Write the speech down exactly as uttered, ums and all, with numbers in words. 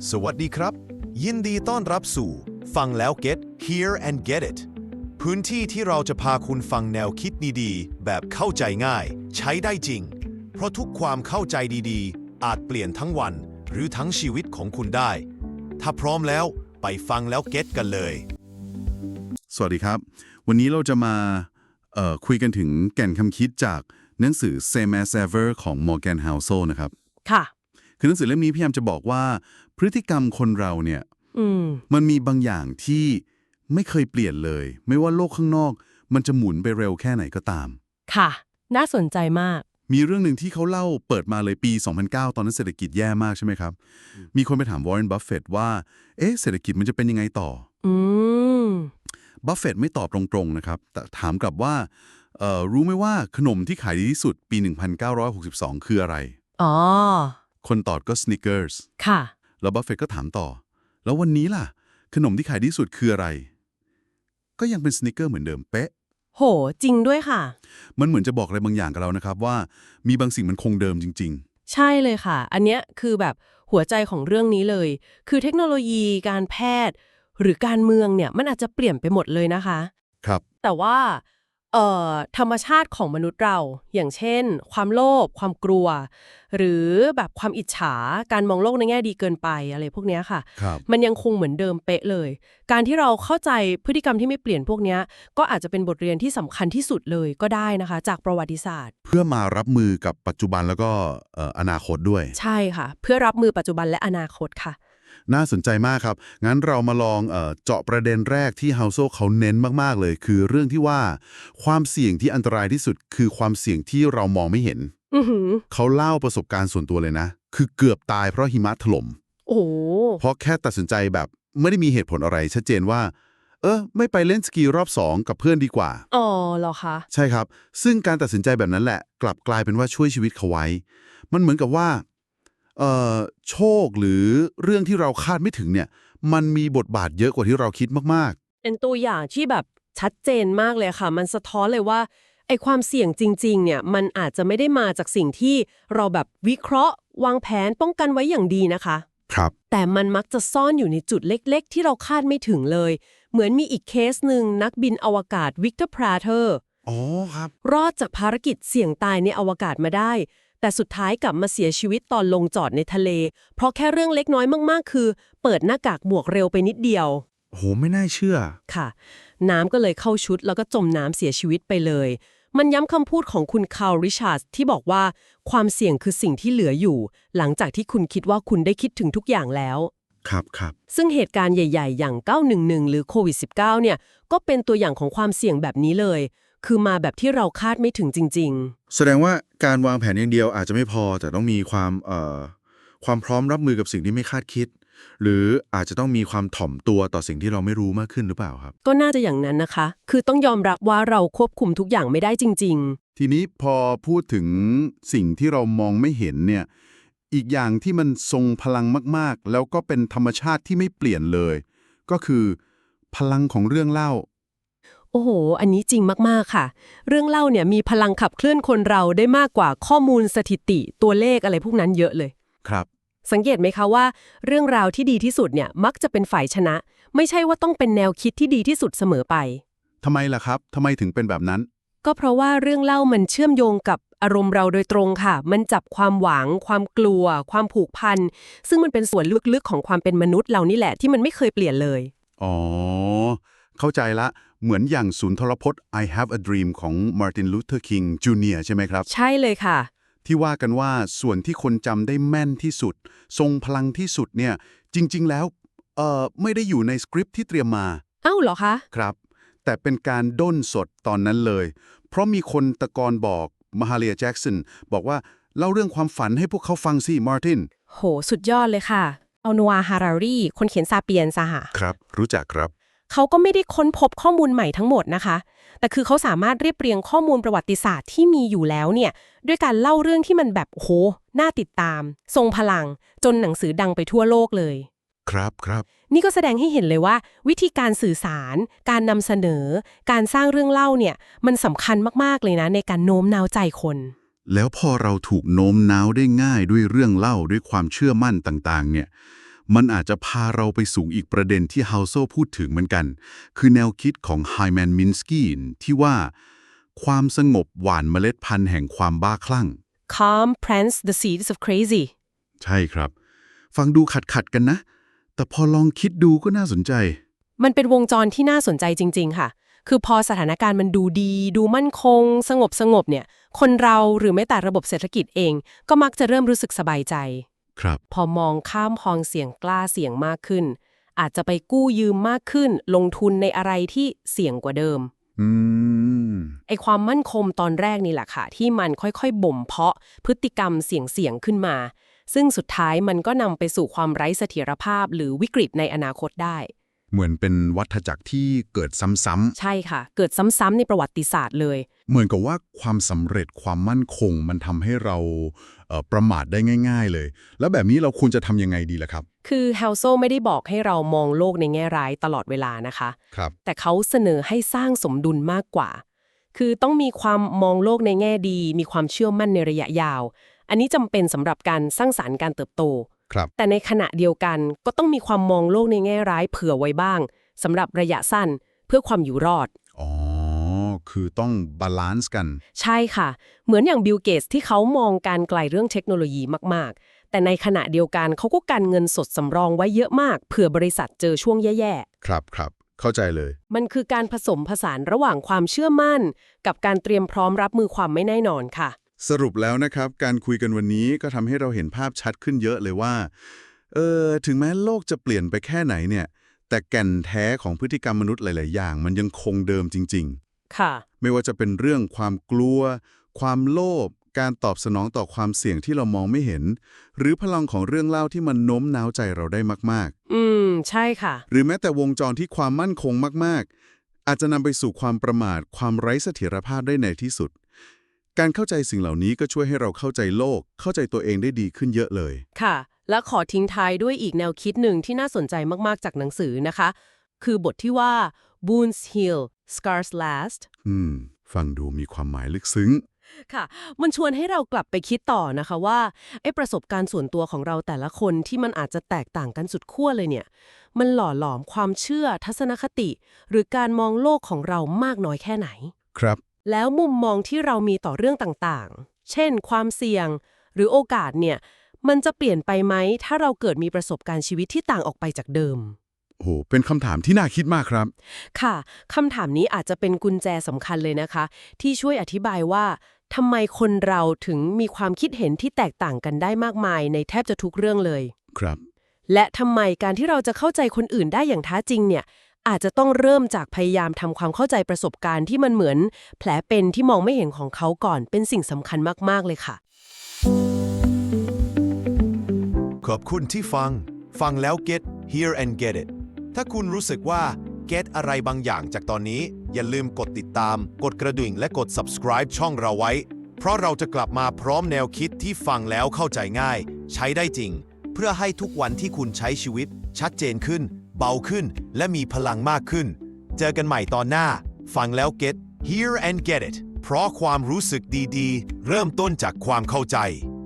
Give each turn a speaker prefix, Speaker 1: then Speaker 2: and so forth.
Speaker 1: สวัสดีครับยินดีต้อนรับสู่ฟังแล้ว get hear and get it พื้นที่ที่เราจะพาคุณฟังแนวคิดดีๆแบบเข้าใจง่ายใช้ได้จริงเพราะทุกความเข้าใจดีๆอาจเปลี่ยนทั้งวันหรือทั้งชีวิตของคุณได้ถ้าพร้อมแล้วไปฟังแล้ว get กันเลย
Speaker 2: สวัสดีครับวันนี้เราจะมาเอ่อคุยกันถึงแก่นคำคิดจากหนังสือ Same as Ever ของ Morgan Housel นะครับ
Speaker 3: ค่ะ
Speaker 2: คือหนังสือเล่มนี้พยายามจะบอกว่าพฤติกรรมคนเราเนี่ย
Speaker 3: ม
Speaker 2: มันมีบางอย่างที่ไม่เคยเปลี่ยนเลยไม่ว่าโลกข้างนอกมันจะหมุนไปเร็วแค่ไหนก็ตาม
Speaker 3: ค่ะน่าสนใจมาก
Speaker 2: มีเรื่องหนึ่งที่เขาเล่าเปิดมาเลยปี สองพันเก้า ตอนนั้นเศรษฐกิจแย่มากใช่ไหมครับมีคนไปถามวอร์เรน บัฟเฟตต์ว่าเอ๊ะเศรษฐกิจมันจะเป็นยังไงต่อ
Speaker 3: อืม
Speaker 2: บัฟเฟตต์ไม่ตอบตรงๆนะครับแต่ถามกลับว่าเอ่อรู้ไหมว่าขนมที่ขายดีที่สุดปี หนึ่งพันเก้าร้อยหกสิบสอง คืออะไร
Speaker 3: อ๋อ
Speaker 2: คนตอบก็ Snickers
Speaker 3: ค่ะ
Speaker 2: แล้วบัฟเฟตต์ก็ถามต่อแล้ววันนี้ล่ะขนมที่ขายดีที่สุดคืออะไรก็ยังเป็น Snickers เหมือนเดิมเป๊ะ
Speaker 3: โหจริงด้วยค่ะ
Speaker 2: มันเหมือนจะบอกอะไรบางอย่างกับเรานะครับว่ามีบางสิ่งมันคงเดิมจริง
Speaker 3: ใช่เลยค่ะอันเนี้ยคือแบบหัวใจของเรื่องนี้เลยคือเทคโนโลยีการแพทย์หรือการเมืองเนี่ยมันอาจจะเปลี่ยนไปหมดเลยนะคะ
Speaker 2: ๆครับ
Speaker 3: แต่ว่าเอ่อธรรมชาติของมนุษย์เราอย่างเช่นความโลภความกลัวหรือแบบความอิจฉาการมองโลกในแง่ดีเกินไปอะไรพวกเนี้ยค่ะ
Speaker 2: ครับ
Speaker 3: มันยังคงเหมือนเดิมเป๊ะเลยการที่เราเข้าใจพฤติกรรมที่ไม่เปลี่ยนพวกเนี้ยก็อาจจะเป็นบทเรียนที่สำคัญที่สุดเลยก็ได้นะคะจากประวัติศาสตร์
Speaker 2: เพื่อมารับมือกับปัจจุบันแล้วก็เอ่ออนาคตด้วย
Speaker 3: ใช่ค่ะเพื่อรับมือปัจจุบันและอนาคตค่ะ
Speaker 2: น่าสนใจมากครับงั้นเรามาลองเอ่อเจาะประเด็นแรกที่เฮาโซเขาเน้นมากๆเลยคือเรื่องที่ว่าความเสี่ยงที่อันตรายที่สุดคือความเสี่ยงที่เรามองไม่เห็น
Speaker 3: อือหือ
Speaker 2: เขาเล่าประสบการณ์ส่วนตัวเลยนะคือเกือบตายเพราะหิมะถล่ม
Speaker 3: โอ้โห
Speaker 2: เพราะแค่ตัดสินใจแบบไม่ได้มีเหตุผลอะไรชัดเจนว่าเออไม่ไปเล่นสกีรอบสองกับเพื่อนดีกว่า
Speaker 3: อ๋อเหรอคะ
Speaker 2: ใช่ครับซึ่งการตัดสินใจแบบนั้นแหละกลับกลายเป็นว่าช่วยชีวิตเขาไว้มันเหมือนกับว่าเอ่อโชคหรือเรื่องที่เราคาดไม่ถึงเนี่ยมันมีบทบาทเยอะกว่าที่เราคิดมาก
Speaker 3: เป็นตัวอย่างที่แบบชัดเจนมากเลยค่ะมันสะท้อนเลยว่าไอ้ความเสี่ยงจริงๆเนี่ยมันอาจจะไม่ได้มาจากสิ่งที่เราแบบวิเคราะห์วางแผนป้องกันไว้อย่างดีนะคะ
Speaker 2: ๆครับ
Speaker 3: แต่มันมักจะซ่อนอยู่ในจุดเล็กๆที่เราคาดไม่ถึงเลยเหมือนมีอีกเคสหนึ่งนักบินอวกาศวิกเตอร์พราเธอร์
Speaker 2: อ๋อครับ
Speaker 3: รอดจากภารกิจเสี่ยงตายในอวกาศมาได้แต่สุดท้ายกลับมาเสียชีวิตตอนลงจอดในทะเลเพราะแค่เรื่องเล็กน้อยมากๆคือเปิดหน้ากากหมวกเร็วไปนิดเดียว
Speaker 2: โหไม่น่าเชื่อ
Speaker 3: ค่ะน้ำก็เลยเข้าชุดแล้วก็จมน้ำเสียชีวิตไปเลยมันย้ำคำพูดของคุณคาร์ลริชาร์ดที่บอกว่าความเสี่ยงคือสิ่งที่เหลืออยู่หลังจากที่คุณคิดว่าคุณได้คิดถึงทุกอย่างแล้ว
Speaker 2: ครับครับ
Speaker 3: ซึ่งเหตุการณ์ใหญ่ๆอย่างเก้าหนึ่งหนึ่งหรือโควิด สิบเก้า เนี่ยก็เป็นตัวอย่างของความเสี่ยงแบบนี้เลยคือมาแบบที่เราคาดไม่ถึงจริงๆ
Speaker 2: แสดงว่าการวางแผนอย่างเดียวอาจจะไม่พอแต่ต้องมีความเอ่อความพร้อมรับมือกับสิ่งที่ไม่คาดคิดหรืออาจจะต้องมีความถ่อมตัวต่อสิ่งที่เราไม่รู้มากขึ้นหรือเปล่าครับ
Speaker 3: ก็น่าจะอย่างนั้นนะคะ คือต้องยอมรับว่าเราควบคุมทุกอย่างไม่ได้จริง
Speaker 2: ทีนี้พอพูดถึงสิ่งที่เรามองไม่เห็นเนี่ยอีกอย่างที่มันทรงพลังมากๆแล้วก็เป็นธรรมชาติที่ไม่เปลี่ยนเลยก็คือพลังของเรื่องเล่า
Speaker 3: ๆ โอ้โห อันนี้จริงมากๆค่ะ เรื่องเล่าเนี่ยมีพลังขับเคลื่อนคนเราได้มากกว่าข้อมูลสถิติตัวเลขอะไรพวกนั้นเยอะเลย
Speaker 2: ครับ
Speaker 3: สังเกตไหมคะว่าเรื่องราวที่ดีที่สุดเนี่ยมักจะเป็นฝ่ายชนะ ไม่ใช่ว่าต้องเป็นแนวคิดที่ดีที่สุดเสมอไป
Speaker 2: ทำไมล่ะครับทำไมถึงเป็นแบบนั้น
Speaker 3: ก็เพราะว่าเรื่องเล่ามันเชื่อมโยงกับอารมณ์เราโดยตรงค่ะมันจับความหวังความกลัวความผูกพันซึ่งมันเป็นส่วนลึกๆของความเป็นมนุษย์เรานี่แหละที่มันไม่เคยเปลี่ยนเลย
Speaker 2: อ๋อเข้าใจละเหมือนอย่างสุนทรพจน์ I Have a Dream ของ Martin Luther King จูเนียร์ ใช่ไหมครับ
Speaker 3: ใช่เลยค่ะ
Speaker 2: ที่ว่ากันว่าส่วนที่คนจำได้แม่นที่สุดทรงพลังที่สุดเนี่ยจริงๆแล้วเอ่อไม่ได้อยู่ในสคริปต์ที่เตรียมมา
Speaker 3: เอ้าเหรอคะ
Speaker 2: ครับแต่เป็นการด้นสดตอนนั้นเลยเพราะมีคนตะกอนบอกมาฮาเลียแจ็กสันบอกว่าเล่าเรื่องความฝันให้พวกเขาฟังสิมาร์ติน
Speaker 3: โหสุดยอดเลยค่ะเอานัวฮารารีคนเขียนซาเปียนซะค่ะ
Speaker 2: ครับรู้จักครับ
Speaker 3: เขาก็ไม่ได้ค้นพบข้อมูลใหม่ทั้งหมดนะคะแต่คือเขาสามารถเรียบเรียงข้อมูลประวัติศาสตร์ที่มีอยู่แล้วเนี่ยด้วยการเล่าเรื่องที่มันแบบโหน่าติดตามทรงพลังจนหนังสือดังไปทั่วโลกเลย
Speaker 2: ครับครับ
Speaker 3: นี่ก็แสดงให้เห็นเลยว่าวิธีการสื่อสารการนำเสนอการสร้างเรื่องเล่าเนี่ยมันสำคัญมากๆเลยนะในการโน้มน้าวใจคน
Speaker 2: แล้วพอเราถูกโน้มน้าวได้ง่ายด้วยเรื่องเล่าด้วยความเชื่อมั่นต่างๆเนี่ยมันอาจจะพาเราไปสู่อีกประเด็นที่เฮาโซพูดถึงเหมือนกัน คือแนวคิดของไฮแมนมินสกี้ที่ว่าความสงบหว่านเมล็ดพันธุ์แห่งความบ้าคลั่ง
Speaker 3: Calm plants the seeds of crazy
Speaker 2: ใช่ครับ ฟังดูขัดขัดๆกันนะ แต่พอลองคิดดูก็น่าสนใจ
Speaker 3: มันเป็นวงจรที่น่าสนใจจริงๆค่ะ คือพอสถานการณ์มันดูดี ดูมั่นคง สงบสงบเนี่ย คนเราหรือแม้แต่ระบบเศรษฐกิจเอง ก็มักจะเริ่มรู้สึกสบายใจ
Speaker 2: ครับ
Speaker 3: พอมองข้ามความเสี่ยงกล้าเสี่ยงมากขึ้น อาจจะไปกู้ยืมมากขึ้น ลงทุนในอะไรที่เสี่ยงกว่าเดิม
Speaker 2: อืม
Speaker 3: ไอความมั่นคงตอนแรกนี่แหละค่ะ ที่มันค่อยๆบ่มเพาะพฤติกรรมเสี่ยงๆขึ้นมา ซึ่งสุดท้ายมันก็นำไปสู่ความไร้เสถียรภาพหรือวิกฤตในอนาคตได้
Speaker 2: เหมือนเป็นวัฏจักรที่เกิดซ้ำ
Speaker 3: ใช่ค่ะ เกิดซ้ำๆในประวัติศาสตร์เลย
Speaker 2: ๆ เหมือนกับว่าความสำเร็จความมั่นคงมันทำให้เราเอ่อประมาทได้ง่าย ๆ เลย แล้วแบบนี้เราควรจะทำยังไงดีล่ะครับ
Speaker 3: คือเฮลโซไม่ได้บอกให้เรามองโลกในแง่ร้ายตลอดเวลานะคะ
Speaker 2: ครับ
Speaker 3: แต่เขาเสนอให้สร้างสมดุลมากกว่า คือต้องมีความมองโลกในแง่ดี มีความเชื่อมั่นในระยะยาว อันนี้จำเป็นสำหรับการสร้างสรรค์การเติบโต
Speaker 2: ครับ
Speaker 3: แต่ในขณะเดียวกันก็ต้องมีความมองโลกในแง่ร้ายเผื่อไว้บ้างสำหรับระยะสั้นเพื่อความอยู่รอด
Speaker 2: อ๋อ คือต้องบาลานซ์กัน
Speaker 3: ใช่ค่ะ เหมือนอย่างบิลเกตส์ที่เขามองการไกลเรื่องเทคโนโลยีมากๆ แต่ในขณะเดียวกันเขาก็กันเงินสดสำรองไว้เยอะมากเผื่อบริษัทเจอช่วงแย่
Speaker 2: ครับครับ เข้าใจเลย
Speaker 3: ๆ มันคือการผสมผสานระหว่างความเชื่อมั่น กับการเตรียมพร้อมรับมือความไม่แน่นอนค่ะ
Speaker 2: สรุปแล้วนะครับ การคุยกันวันนี้ก็ทำให้เราเห็นภาพชัดขึ้นเยอะเลยว่า เออ ถึงแม้โลกจะเปลี่ยนไปแค่ไหนเนี่ย แต่แก่นแท้ของพฤติกรรมมนุษย์หลาย ๆ อย่าง มันยังคงเดิมจริง
Speaker 3: ค่ะ
Speaker 2: ๆ ไม่ว่าจะเป็นเรื่องความกลัว ความโลภ การตอบสนองต่อความเสี่ยงที่เรามองไม่เห็น หรือพลังของเรื่องเล่าที่มันโน้มน้าวใจเราได้มาก
Speaker 3: อืม ใช่ค่ะ
Speaker 2: ๆ หรือแม้แต่วงจรที่ความมั่นคงมาก ๆ อาจจะนำไปสู่ความประมาท ความไร้เสถียรภาพได้ในที่สุด การเข้าใจสิ่งเหล่านี้ก็ช่วยให้เราเข้าใจโลก เข้าใจตัวเองได้ดีขึ้นเยอะเลย
Speaker 3: ค่ะ และขอทิ้งท้ายด้วยอีกแนวคิดหนึ่งที่น่าสนใจมากๆจากหนังสือนะคะ คือบทที่ว่า Wounds heal scars last
Speaker 2: อืม ฟังดูมีความหมายลึกซึ้ง
Speaker 3: ค่ะ มันชวนให้เรากลับไปคิดต่อนะคะว่าไอ้ประสบการณ์ส่วนตัวของเราแต่ละคนที่มันอาจจะแตกต่างกันสุดขั้วเลยเนี่ย มันหล่อหลอมความเชื่อทัศนคติ หรือการมองโลกของเรามากน้อยแค่ไหน
Speaker 2: ครับ
Speaker 3: แล้วมุมมองที่เรามีต่อเรื่องต่างๆ เช่น ความเสี่ยง หรือโอกาสเนี่ย มันจะเปลี่ยนไปไหมถ้าเราเกิดมีประสบการณ์ชีวิตที่ต่างออกไปจากเดิม
Speaker 2: โอ้โห เป็นคำถามที่น่าคิดมากครับ
Speaker 3: ค่ะ คำถามนี้อาจจะเป็นกุญแจสำคัญเลยนะคะ ที่ช่วยอธิบายว่าทำไมคนเราถึงมีความคิดเห็นที่แตกต่างกันได้มากมายในแทบจะทุกเรื่องเลย
Speaker 2: ครับ
Speaker 3: และทำไมการที่เราจะเข้าใจคนอื่นได้อย่างแท้จริงเนี่ย อาจจะต้องเริ่มจากพยายามทำความเข้าใจประสบการณ์ที่มันเหมือนแผลเป็นที่มองไม่เห็นของเขาก่อนเป็นสิ่งสำคัญมากๆเลยค่ะ
Speaker 1: ขอบคุณที่ฟัง ฟังแล้ว get hear and get it ถ้าคุณรู้สึกว่า get อะไรบางอย่างจากตอนนี้ อย่าลืมกดติดตาม กดกระดิ่งและกด subscribe ช่องเราไว้ เพราะเราจะกลับมาพร้อมแนวคิดที่ฟังแล้วเข้าใจง่าย ใช้ได้จริง เพื่อให้ทุกวันที่คุณใช้ชีวิต ชัดเจนขึ้น เบาขึ้น และมีพลังมากขึ้น เจอกันใหม่ตอนหน้า ฟังแล้ว get hear and get it เพราะความรู้สึกดีๆ เริ่มต้นจากความเข้าใจ